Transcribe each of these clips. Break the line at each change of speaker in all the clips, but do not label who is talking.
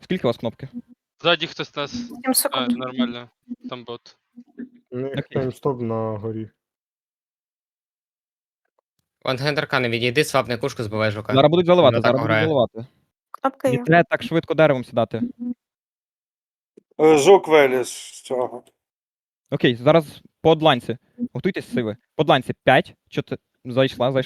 Скільки у вас кнопки?
Ззаді хтось нас.
7 секунд.
Нормально. Там бот.
У них
Окей.
таймстоп на горі.
Вангендерка, не відійди, свапни кушку, збивай жука.
Зараз будуть заливати,
Вона так
зараз будуть
грає.
заливати.
Кнопка
Не
є.
треба так швидко деревом сідати.
Жук виліз з цього.
Окей, зараз по одланці. Готуйтесь сиви. По одланці 5, 4... Зайшла.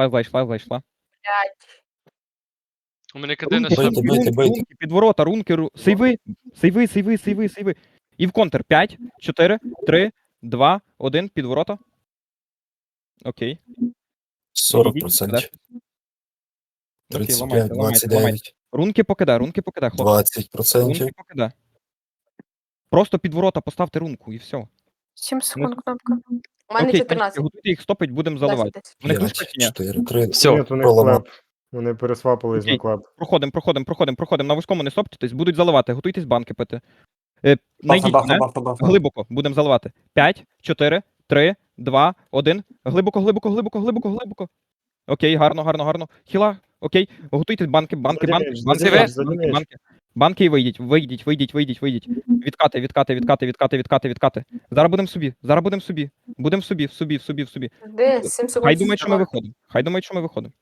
У мене КД на
Рунки,
шап.
рунки, підворота, рунки, сейви. І в контр. 5, 4, 3, 2, 1, підворота. Окей.
40%.
Окей,
35,
ламайте.
29,
Рунки покидай, хлопці.
20%.
Рунки покидай. Просто під ворота поставте рунку і все.
7 секунд кнопка.
У мене
Окей,
14.
готуйте їх стопить, будемо заливати.
10.
Вони
5,
книжка чи ні?
4, 3.
Ні,
Все,
у них
проламав.
клеп. Вони пересвапились
Окей.
на клеп.
Проходимо. На вузькому не стоптесь, будуть заливати. Готуйтесь банки пити. Найдіть мене. Глибоко, будемо заливати. 5, 4, 3, 2, 1. Глибоко. Окей, гарно. Хіла, окей. Готуйтесь банки. Банки і вийдіть. Відкати. Зараз будемо в собі. Будемо в собі.
Де? 7 секунд.
Хай думають, що ми виходимо.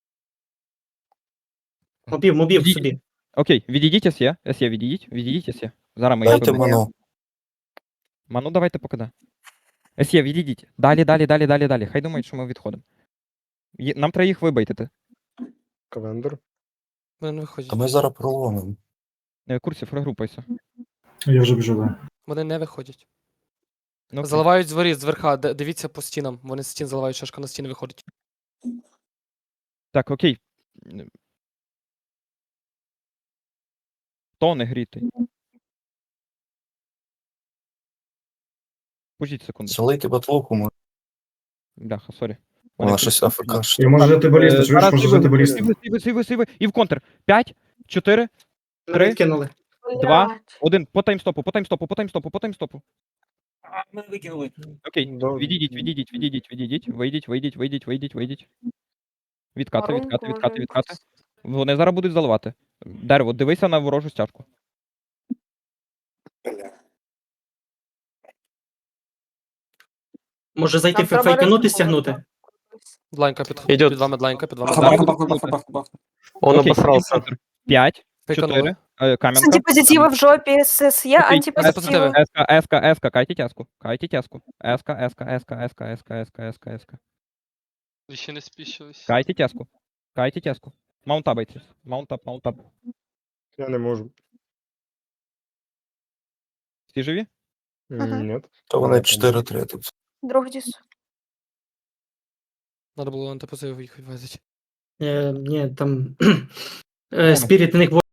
Мобів собі.
Окей, відійдіть СЄ, відійдіть СЄ. Зараз ми їх
Дайте
виберемо.
ману.
Ману давайте покида. СЄ, відійдіть. Далі. Хай думають, що ми відходимо. Нам треба їх вибайтити.
Кавендер.
Вони не виходять.
А ми зараз проломимо.
Курсів, регрупайся.
Я вже біжу, да.
Вони не виходять.
Ну, окей.
Заливають з воріт, зверха. Дивіться по стінам. Вони з стін заливають, шашка на стіни виходить.
Так, окей. Хто не грітий? Пожіть секунду.
Залийте батлуху, може.
Бляха, сорі.
Вона щось АФК.
Я можу жити балісту, чуєш,
Зараз
можу жити балісту.
Сиви. І в контр. 5, 4, 3,
Кинули.
2, 1. По таймстопу.
Мене викинули.
Окей,
Добре.
відійдіть. Вийдіть. Відкати.
Рунку може якусь.
Вони зараз будуть заливати. Дерево, дивися на ворожу стяжку.
Може зайти
Нам треба
фейканути,
ризикувати.
стягнути?
Дланька
Идет.
під вами, дланька під вами.
Зараз
Дланька.
будуть заливати.
Он
Окей,
обосрался.
5,
Фейканули.
4, кам'янка.
Антипозитиви в жопі, СС є,
Окей,
антипозитиви.
Еска, кайте тяску. Еска.
Ще не спішились.
Кайте тяску. Маунтабайтесь. Маунтап.
Я не можу.
Всі живі?
Ага.
Ні.
То вони 4-3 тут.
Друг діс.
Надо було антипозив їх відвезти.
Ні, там... Спіріт, у них